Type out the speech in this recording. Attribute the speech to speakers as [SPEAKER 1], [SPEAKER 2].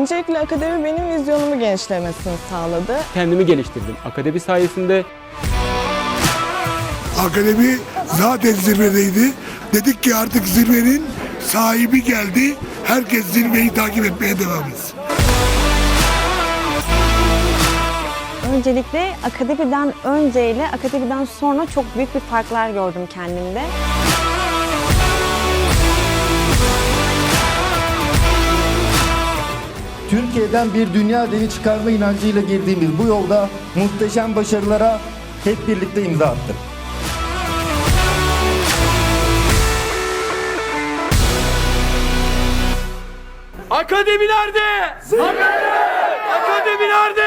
[SPEAKER 1] Öncelikle akademi benim vizyonumu genişlemesini sağladı.
[SPEAKER 2] Kendimi geliştirdim. Akademi sayesinde
[SPEAKER 3] Akademi zaten zirvedeydi. Dedik ki artık zirvenin sahibi geldi. Herkes zirveyi takip etmeye devam etsin.
[SPEAKER 4] Öncelikle akademiden önce ile akademiden sonra çok büyük bir farklar gördüm kendimde.
[SPEAKER 5] Türkiye'den bir dünya devi çıkarma inancıyla girdiğimiz bu yolda muhteşem başarılara hep birlikte imza attık.
[SPEAKER 2] Akademi nerede? Akademi nerede?